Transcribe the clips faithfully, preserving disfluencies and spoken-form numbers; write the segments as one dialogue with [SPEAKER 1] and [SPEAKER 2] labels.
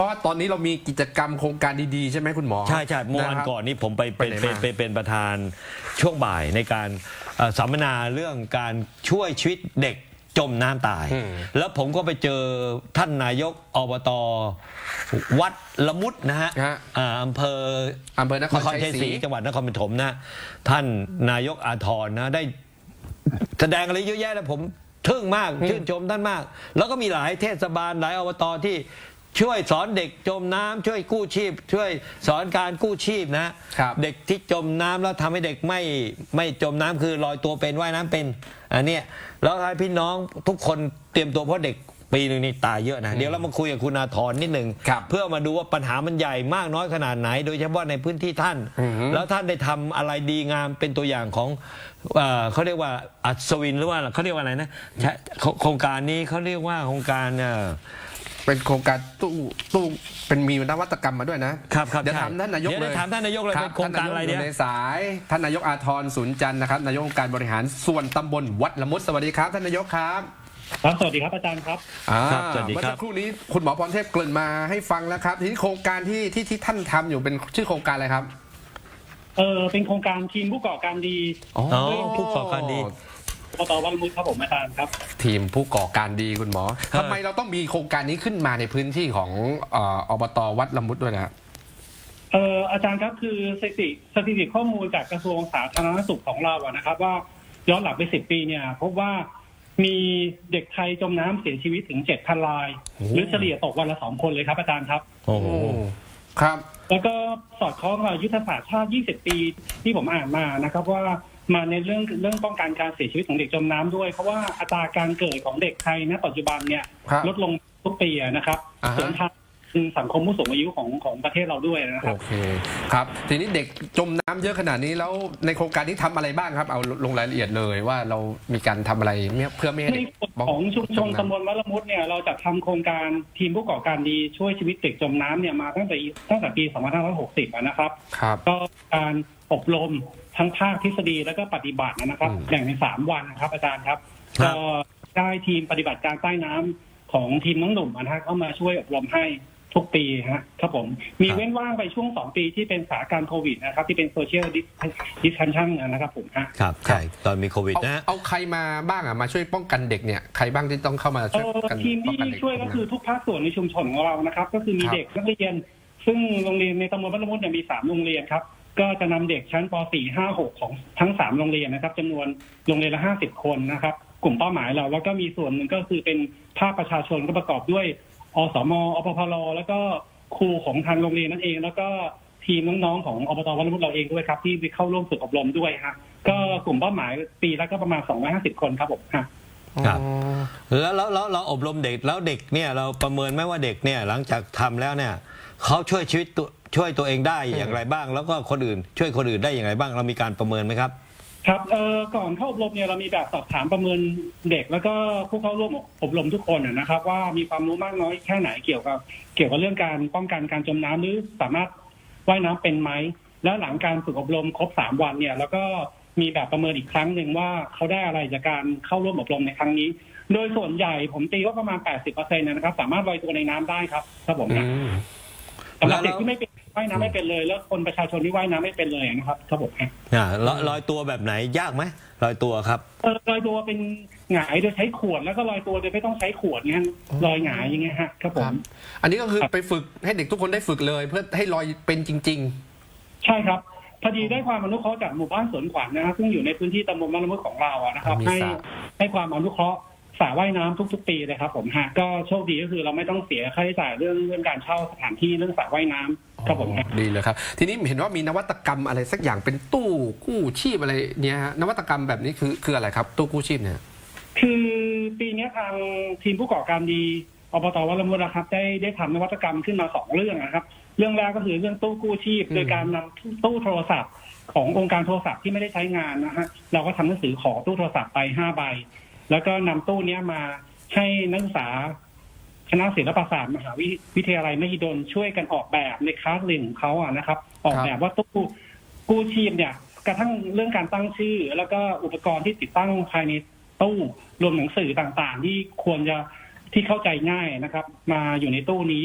[SPEAKER 1] เพราะว่าตอนนี้เรามีกิจกรรมโครงการดีๆใช่ไหมคุณหมอ
[SPEAKER 2] ใช่ใช่เมื่อวันก่อนนี้ผมไปเป็นเป็นเป็นเป็นประธานช่วงบ่ายในการสัมมนาเรื่องการช่วยชีวิตเด็กจมน้ำตาย แล้วผมก็ไปเจอท่านนายกอบต.วัดละมุดนะฮะอำเภอ
[SPEAKER 1] อำเภอนครชัยศรี
[SPEAKER 2] จังหวัดนครปฐมนะท่านนายกอาทรนะได้แสดงอะไรเยอะแยะแล้วผมทึ่งมากชื่นชมท่านมาก แล้วก็มีหลายเทศบาลหลายอบต.ที่ช่วยสอนเด็กจมน้ำช่วยกู้ชีพช่วยสอนการกู้ชีพนะเด็กที่จมน้ำแล้วทำให้เด็กไม่ไม่จมน้ำคือลอยตัวเป็นว่ายน้ำเป็นอันนี้แล้วให้พี่น้องทุกคนเตรียมตัวเพราะเด็กปีหนึ่งนี่ตายเยอะนะเดี๋ยวเรามาคุยกับคุณอาทรนิดหนึ่งเพื่อมาดูว่าปัญหามันใหญ่มากน้อยขนาดไหนโดยเฉพาะในพื้นที่ท่านแล้วท่านได้ทำอะไรดีงามเป็นตัวอย่างของเขาเรียกว่าอัศวินหรือว่าเขาเรียกว่าอะไรนะโครงการนี้เขาเรียกว่าโครงการ
[SPEAKER 1] เป็นโครงการตู้ตู้เป็นมีนวัตกรรมมาด้วยนะครับเดี๋ยวถามท่านนายกเลย
[SPEAKER 2] ถามท่านนายกเลยเป็นโครงการอะไรเนี่ย
[SPEAKER 1] ในสายท่านนายกอาทรสุนจันทร์นะครับนายกองค์การบริหารส่วนตำบลวัดละมุดสวัสดีครับท่านนายกครับ
[SPEAKER 3] ครับสวัสดีครับอาจารย์ครับ
[SPEAKER 1] สวัสดีครับเมื่อสักครู่นี้คุณหมอพรเทพเกริ่นมาให้ฟังแล้วครับทีนี้โครงการที่ที่ที่ท่านทำอยู่เป็นชื่อโครงการอะไรครับ
[SPEAKER 3] เออเป็นโครงการทีมผู้ก่อการดี
[SPEAKER 2] อ๋อผู้ก่อการดี
[SPEAKER 3] อบต.วัดละมุดครับผมอาจารย์ครับ
[SPEAKER 1] ทีมผู้ก่อการดีคุณหมอทำไมเราต้องมีโครงการนี้ขึ้นมาในพื้นที่ของอบต.วัดละมุดด้วยนะ
[SPEAKER 3] เอออาจารย์ครับคือสถิติสถิติข้อมูลจากกระทรวงสาธารณสุขของเราอะนะครับว่าย้อนหลังไปสิบปีเนี่ยพบว่ามีเด็กไทยจมน้ำเสียชีวิตถึงเจ็ดพันรายหรือเฉลี่ยตกวันละสองคนเลยครับอาจารย์ครับ
[SPEAKER 1] โอ้ครับ
[SPEAKER 3] แล้วก็สอดคล้องกับยุทธศาสตร์ชาติยี่สิบปีที่ผมอ่านมานะครับว่ามาในเรื่องเรื่องป้องกันการเสียชีวิตของเด็กจมน้ำด้วยเพราะว่าอัตราการเกิดของเด็กไทยณปัจจุบันเนี่ยลดลงทุกปีนะครับส่วนทางสังคมผู้สูงอายุของของประเทศเราด้วยนะครับ
[SPEAKER 1] โอเคครับทีนี้เด็กจมน้ำเยอะขนาดนี้แล้วในโครงการนี้ทำอะไรบ้างครับเอาลงรายละเอียดเลยว่าเรามีการทำอะไรเพื่อไม่ให้
[SPEAKER 3] ในของชุมชนตำบลวัดละมุดเนี่ยเราจะทำโครงการทีมผู้ก่อการดีช่วยชีวิตเด็กจมน้ำเนี่ยมาตั้งแต่ตั้งแต่ปีสองพันห้าร้อยหกสิบนะครับก็การอบรมทั้งภาคทฤษฎีแล้วก็ปฏิบัตินะครับแบ่งเป็นสามวันนะครับอาจารย์ครับก็ได้ทีมปฏิบัติการใต้น้ำของทีมน้องหนุ่มนะเข้ามาช่วยอบรมให้ทุกปีฮะครับผมมีเว้นว่างไปช่วงสองปีที่เป็นสถานการณ์โควิดนะครับที่เป็นโซเชียลดิสทันชั่นนะครับผมฮะ
[SPEAKER 2] ครับใช่ตอนมีโควิดนะ
[SPEAKER 1] เอาใครมาบ้างอ่ะมาช่วยป้องกันเด็กเนี่ยใครบ้างที่ต้องเข้ามาช่วย
[SPEAKER 3] กันทีมที่ช่วยก็คือทุกภาคส่วนในชุมชนของเรานะครับก็คือมีเด็กนักเรียนซึ่งโรงเรียนในตำบลวัดละมุดเนี่ยมีสามโรงเรียนครับก็จะนำเด็กชั้นป .สี่ ห้า หก ของทั้งสามโรงเรียนนะครับจำนวนโรงเรียนละห้าสิบคนนะครับกลุ่มเป้าหมายเราแล้วก็มีส่วนหนึ่งก็คือเป็นภาคประชาชนก็ประกอบด้วยอสม.อปพล.แล้วก็ครูของทางโรงเรียนนั่นเองแล้วก็ทีมน้องๆของอบต.วัดละมุดเราเองด้วยครับที่เข้าร่วมฝึกอบรมด้วยฮะก็กลุ่มเป้าหมายปีละก็ประมาณสองร้อยห้าสิบคนครับผมฮะ
[SPEAKER 2] ครับแล้วแล้วเราอบรมเด็กแล้วเด็กเนี่ยเราประเมินไหมว่าเด็กเนี่ยหลังจากทำแล้วเนี่ยเขาช่วยชีวิตตัวช่วยตัวเองได้อย่างไรบ้างแล้วก็คนอื่นช่วยคนอื่นได้อย่างไรบ้างเรามีการประเมินไหมครับ
[SPEAKER 3] ครับเอ่อก่อนเข้าอบรมเนี่ยเรามีแบบสอบถามประเมินเด็กแล้วก็ผู้เข้าร่วมอบรมทุกคนนะครับว่ามีความรู้มากน้อยแค่ไหนเกี่ยวกับเกี่ยวกับเรื่องการป้องกันการจมน้ำหรือสามารถว่ายน้ำเป็นไหมแล้วหลังการฝึกอบรมครบสามวันเนี่ยแล้วก็มีแบบประเมินอีกครั้งหนึ่งว่าเขาได้อะไรจากการเข้าร่วมอบรมในครั้งนี้โดยส่วนใหญ่ผมตีว่าประมาณ แปดสิบเปอร์เซ็นต์ นะครับสามารถลอยตัวในน้ำได้ครับครับผมนะสำหรับเด็กที่ไม่เป็นว่ายน้ำไม่เป็นเลยแล้วคนประชาชนที่ว่ายน้ำไม่เป็นเลยนะครับครับผม
[SPEAKER 2] อ่าลอยตัวแบบไหนยากไหมลอยตัวครับ
[SPEAKER 3] เออลอยตัวเป็นหงายโดยใช้ขวดแล้วก็ลอยตัวโดยไม่ต้องใช้ขวดเงี้ยลอยหงายอย่างเงี้ยฮะครับผม
[SPEAKER 1] อันนี้ก็คือไปฝึกให้เด็กทุกคนได้ฝึกเลยเพื่อให้ลอยเป็นจริง
[SPEAKER 3] ๆใช่ครับพอดีได้ความอนุเคราะห์จากหมู่บ้านสวนขวัญนะครับซึ่งอยู่ในพื้นที่ตำบลวัดละมุดของเราอะนะครับให้ให้ความอนุเคราะห์สระว่ายน้ำทุกๆปีเลยครับผมฮะก็โชคดีก็คือเราไม่ต้องเสียค่าใช้จ่ายเรื่องเรื่องการเช่าสถานที่เรื่องสระว่ายน้ำครับผม
[SPEAKER 1] ดีเลยครับทีนี้เห็นว่ามีนวัตกรรมอะไรสักอย่างเป็นตู้กู้ชีพอะไรเนี่ยฮะนวัตกรรมแบบนี้คือคืออะไรครับตู้กู้ชีพเนี่ย
[SPEAKER 3] คือปีนี้ทางทีมผู้ก่อการดีอบต.วัดละมุดนะครับได้ได้ทำนวัตกรรมขึ้นมาสองเรื่องนะครับเรื่องแรกก็คือเรื่องตู้กู้ชีพโดยการนำตู้โทรศัพท์ขององค์การโทรศัพท์ที่ไม่ได้ใช้งานนะฮะเราก็ทำหนังสือขอตู้โทรศัพท์ไปห้าใบแล้วก็นำตู้นี้มาให้นักศึกษาคณะศิลปศาสตร์มหาวิทยาลัยมหิดลช่วยกันออกแบบในคลาสเรียนของเขาอ่ะนะครับออกแบบว่าตู้กู้ชีพเนี่ยกระทั่งเรื่องการตั้งชื่อแล้วก็อุปกรณ์ที่ติดตั้งภายในตู้รวมหนังสือต่างๆที่ควรจะที่เข้าใจง่ายนะครับมาอยู่ในตู้นี้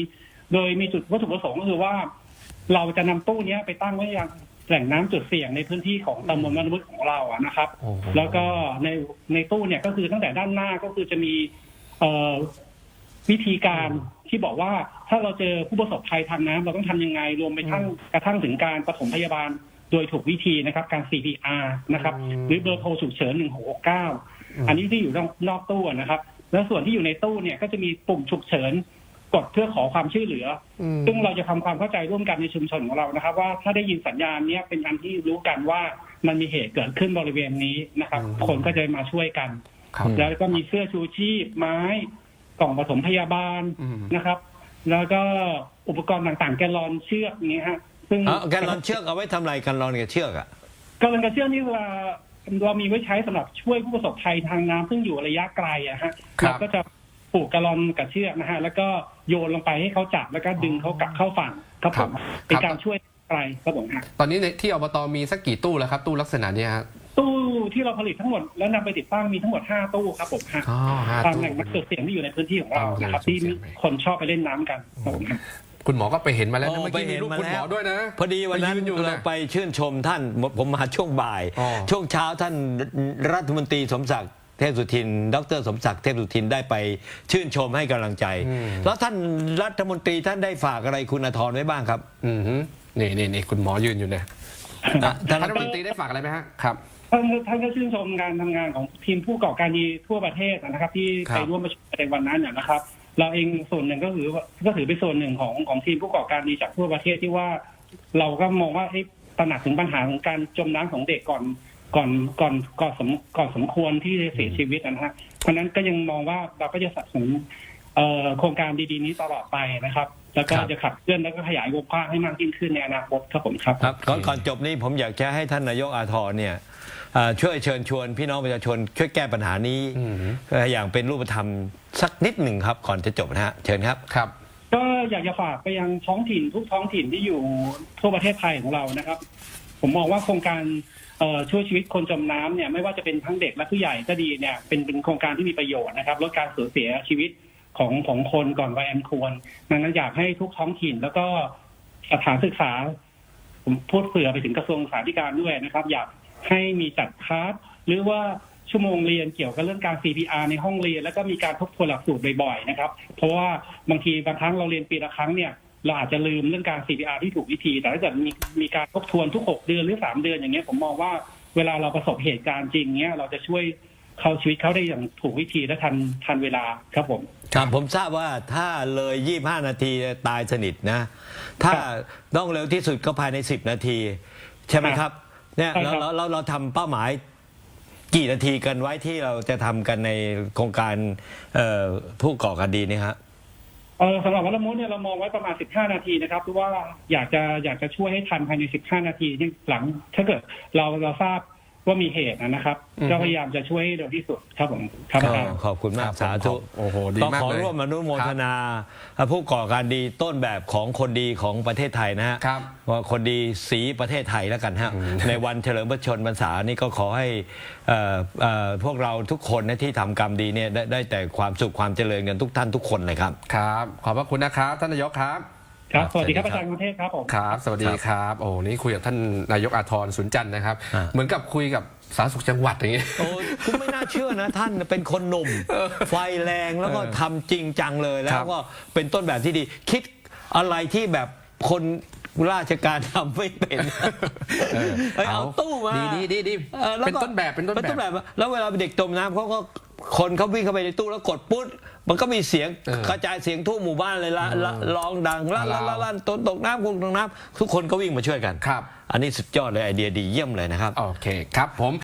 [SPEAKER 3] โดยมีจุดวัตถุประสงค์ก็คือว่า เราจะนำตู้เนี้ยไปตั้งไว้ยังแหล่งน้ำจุดเสี่ยงในพื้นที่ของตำบลบ้านมุดของเราอะนะครับ
[SPEAKER 1] โอ้โห
[SPEAKER 3] แล้วก็ในในตู้เนี่ยก็คือตั้งแต่ด้านหน้าก็คือจะมีเอ่อวิธีการที่บอกว่าถ้าเราเจอผู้ประสบภัยทางน้ำเราต้องทำยังไงรวมไปทั้งกระทั่งถึงการปฐมพยาบาลโดยถูกวิธีนะครับการ ซี พี อาร์ นะครับ
[SPEAKER 1] อืม
[SPEAKER 3] หรือเบอร์โทรฉุกเฉินหนึ่งหกหกเก้าอันนี้ที่อยู่นอกนอกตู้นะครับ แล้วส่วนที่อยู่ในตู้เนี่ยก็จะมีปุ่มฉุกเฉินกดเพื่อขอความช่วยเหลืออ
[SPEAKER 1] ม
[SPEAKER 3] ซึ่งเราจะทำความเข้าใจร่วมกันในชุมชนของเรานะครับ ว่าถ้าได้ยินสัญญาณเนี้ยเป็นการที่รู้กันว่ามันมีเหตุเกิดขึ้นบริเวณนี้นะครับ
[SPEAKER 1] อืม
[SPEAKER 3] คนก็จะมาช่วยกัน
[SPEAKER 1] ครับ
[SPEAKER 3] แล้วก็มีเสื้อชูชีพไม้กล่องปฐมพยาบาล
[SPEAKER 1] อืม
[SPEAKER 3] นะครับ แล้วก็อุปกรณ์ต่างๆ แกลลอนเชือกอย่างเงี้ยฮะซึ่ง
[SPEAKER 2] เอาแกนลอนเชือกเอาไว้ทำอะไรกันลอนกับเชือกอ่ะ
[SPEAKER 3] แกลลอนกับเชือกนี่เวลาเรามีไว้ใช้สำหรับช่วยผู้ประสบภัยทางน้ำซึ่งอยู่ระยะไกลอะฮะ
[SPEAKER 1] ครับ
[SPEAKER 3] เราก็จะผูกแกลลอนกับเชือกนะฮะแล้วก็โยนลงไปให้เขาจับแล้วก็ดึงเขากลับเข้าฝั่งครับผมเป็นการช่วยไกลครับผมฮะ
[SPEAKER 1] ตอนนี้ในที่อบตมีสักกี่ตู้แล้วครับ ตู้ลักษณะเนี้ยฮะ
[SPEAKER 3] ตู้ที่เราผลิตทั้งหมดแล้วนำไปติดตั้งมีทั้งหมดห้าตู้ครับผมฮะ
[SPEAKER 1] อ๋อห้า
[SPEAKER 3] ตาม
[SPEAKER 1] ตู้
[SPEAKER 3] แหล่งนักจุดเสี่ยงที่อยู่ในพื้นที่ของเรานะครับ
[SPEAKER 1] ตามแหล่
[SPEAKER 3] ที่
[SPEAKER 1] งจุดเสี่ยง
[SPEAKER 3] คนชอบไปเล่นน้ำกันครับผมฮะ
[SPEAKER 1] คุณหมอก็ไปเห็นมาแล้วนะ
[SPEAKER 2] โอ้
[SPEAKER 1] เมื่อกี้
[SPEAKER 2] ไปเห็
[SPEAKER 1] มี
[SPEAKER 2] น
[SPEAKER 1] รูป
[SPEAKER 2] มา
[SPEAKER 1] คุณหมอ
[SPEAKER 2] แล้ว
[SPEAKER 1] ด้วยนะ
[SPEAKER 2] พอดีวันนั้น
[SPEAKER 1] ไปยือยู่
[SPEAKER 2] เรา
[SPEAKER 1] นะ
[SPEAKER 2] ไปชื่นชมท่านผมมาช่วงบ่าย
[SPEAKER 1] อ๋อ
[SPEAKER 2] ช่วงเช้าท่านรัฐมนตรีสมศักดิ์เทพสุทิน ดรสมศักดิ์เทพสุทินได้ไปชื่นชมให้กำลังใจ แล้วท่านรัฐมนตรีท่านได้ฝากอะไรคุณอธรไว้บ้างครับ
[SPEAKER 1] อืมฮึนี่นี่นี่คุณหมอยืนอยู่เนี่ย
[SPEAKER 2] อ่ะท่าน
[SPEAKER 1] ท่านรัฐมนตรีได้ฝากอะไรไหมฮะครับ
[SPEAKER 3] ท่านท่านก็ชื่นชมการทำงานของทีมผู้ก่อการดีทั่วประเทศนะครับ ที่
[SPEAKER 1] ครับ
[SPEAKER 3] ไปร่วมประชุมในวันนั้นนะครับ เราเองส่วนหนึ่งก็ถือว่าก็ถือเป็นส่วนหนึ่งของของทีมผู้ก่อการดีจากทั่วประเทศที่ว่า เราก็มองว่าให้ตระหนักถึงปัญหาของการจมน้ำของเด็กก่อนก่อนก่อนก่อนสมก่อนสมควรที่จะเสียชีวิตนะฮะเพราะฉะนั้นก็ยังมองว่าเราก็จะสนับสนุนเอ่อโครงการดีๆนี้ตลอดไปนะครับ แล้วก็
[SPEAKER 2] ครับ
[SPEAKER 3] จะขับเคลื่อนแล้วก็ขยายวงกว้างให้มากยิ่งขึ้นในอนาคตครับผมครับ
[SPEAKER 2] ครับก่อนก่อนจบนี้ผมอยากจะให้ท่านนายกอาธรเนี่ยเอ่อช่วยเชิญชวนพี่น้องประชาชนช่วยแก้ปัญหานี้
[SPEAKER 1] อืม
[SPEAKER 2] เอ่ออย่างเป็นรูปธรรมสักนิดหนึ่งครับก่อนจะจบนะฮะเชิญครับ
[SPEAKER 1] ครับ
[SPEAKER 3] ก็อยากจะฝากไปยังท้องถิ่นทุกท้องถิ่นที่อยู่ทั่วประเทศไทยของเรานะครับ ผมมองว่าโครงการเอ่อช่วยชีวิตคนจมน้ำเนี่ยไม่ว่าจะเป็นทั้งเด็กและผู้ใหญ่ก็ดีเนี่ยเป็นเป็นโครงการที่มีประโยชน์นะครับลดการสูญเสียชีวิตของของคนก่อนวัยอันควรดังนั้นอยากให้ทุกท้องถิ่นแล้วก็สถานศึกษา ผมพูดเผื่อไปถึงกระทรวงศึกษาธิการด้วยนะครับ อยากให้มีจัดคลาสหรือว่าชั่วโมงเรียนเกี่ยวกับเรื่องการ ซี พี อาร์ ในห้องเรียน แล้วก็มีการทบทวนหลักสูตรบ่อยๆนะครับ เพราะว่าบางทีบางครั้งเราเรียนปีละครั้งเนี่ยเราอาจจะลืมเรื่องการ ซี พี อาร์ ที่ถูกวิธี แต่ถ้าเกิดมีมีการทบทวนทุกหกเดือนหรือสามเดือนอย่างเงี้ยผมมองว่าเวลาเราประสบเหตุการณ์จริงเนี้ยเราจะช่วยเขาชีวิตเขาได้อย่างถูกวิธีและทันทันเวลาครับผม
[SPEAKER 2] ครับผมทราบว่าถ้าเลยยี่สิบห้านาทีตายสนิทนะ ถ้าต้องเร็วที่สุดก็ภายในสิบนาที ใช่ไหมครับเนี่ย
[SPEAKER 3] ใช่
[SPEAKER 2] เรา
[SPEAKER 3] ครับ
[SPEAKER 2] เราเราเราทำเป้าหมายกี่นาทีกันไว้ที่เราจะทำกันในโครงการเอ่อผู้ก่อการดีนี่ฮะ
[SPEAKER 3] เออสำหรับวัลมุดเนี่ยเรามองไว้ประมาณสิบห้านาทีนะครับเพราะว่าอยากจะอยากจะช่วยให้ทันภายในสิบห้านาทีที่หลัง ถ้าเกิดเราเราทราบว่ามีเหตุนะครับ
[SPEAKER 1] อืม
[SPEAKER 3] ก็พยายามจะช่วยให้เร็วที่สุดครับผมครับ
[SPEAKER 2] ก็
[SPEAKER 3] อาจารย์
[SPEAKER 2] ขอบคุณมาก
[SPEAKER 1] ครับ
[SPEAKER 2] สาธุ
[SPEAKER 1] โอ้โหดี
[SPEAKER 2] ก็
[SPEAKER 1] มาก
[SPEAKER 2] ขอ
[SPEAKER 1] เลย
[SPEAKER 2] ร่วมอนุโมทนาผู้ก่อการดีต้นแบบของคนดีของประเทศไทยนะฮะ
[SPEAKER 1] ครับ
[SPEAKER 2] ว่าคนดีสีประเทศไทยแล้วกันฮะในวันเฉลิมพระชนมพรรษานี่ก็ขอให้เอ่อเอ่อพวกเราทุกคนนะที่ทำกรรมดีเนี่ยได้ได้แต่ความสุขความเจริญกันทุกท่านทุกคนเลยครับ
[SPEAKER 1] ครับ ขอบพระคุณนะครับท่านนายกครับ
[SPEAKER 3] ครับ สวัสดีครับ
[SPEAKER 2] สวัสดีครับ
[SPEAKER 3] อาจารย์กรุงเทพครับผม
[SPEAKER 1] ครับ สวัสดีครับ โอ้นี่คุยกับท่านนายกอาทรสุนจันทร์นะครับ
[SPEAKER 2] อ่า
[SPEAKER 1] เหมือนกับคุยกับสาธารณสุขจังหวัดอย่างนี้
[SPEAKER 2] โอ้คุณไม่น่าเชื่อนะ ท่านเป็นคนหนุ่ม ไฟแรงแล้วก็
[SPEAKER 1] เออ
[SPEAKER 2] ทำจริงจังเลยแล้
[SPEAKER 1] ครั
[SPEAKER 2] ว
[SPEAKER 1] บ
[SPEAKER 2] ก็เป็นต้นแบบที่ดี คิดอะไรที่แบบคนราชการทำไม่เป็นเอ้ยเอาตู้มา
[SPEAKER 1] ดีดีดีดี
[SPEAKER 2] ออแล้ว
[SPEAKER 1] เป็น
[SPEAKER 2] ก็
[SPEAKER 1] ต้นแบบเป็นต้น
[SPEAKER 2] เป็นต้น
[SPEAKER 1] แบ
[SPEAKER 2] แบบ บแล้วเวลาเด็กจมน้ำเขาก็คนเขาวิ่งเข้าไปในตู้แล้วกดปุ๊บมันก็มีเสียง
[SPEAKER 1] เออก
[SPEAKER 2] ระจายเสียงทั่วหมู่บ้านเลยละละร้องดังลั่นลั่นลั่นลั่นตนตกน้ำคุณตกน้ำทุกคนก็วิ่งมาช่วยกัน
[SPEAKER 1] ครับ
[SPEAKER 2] อันนี้สุดยอดเลยไอเดียดีเยี่ยมเลยนะครับ
[SPEAKER 1] โอเคครับผม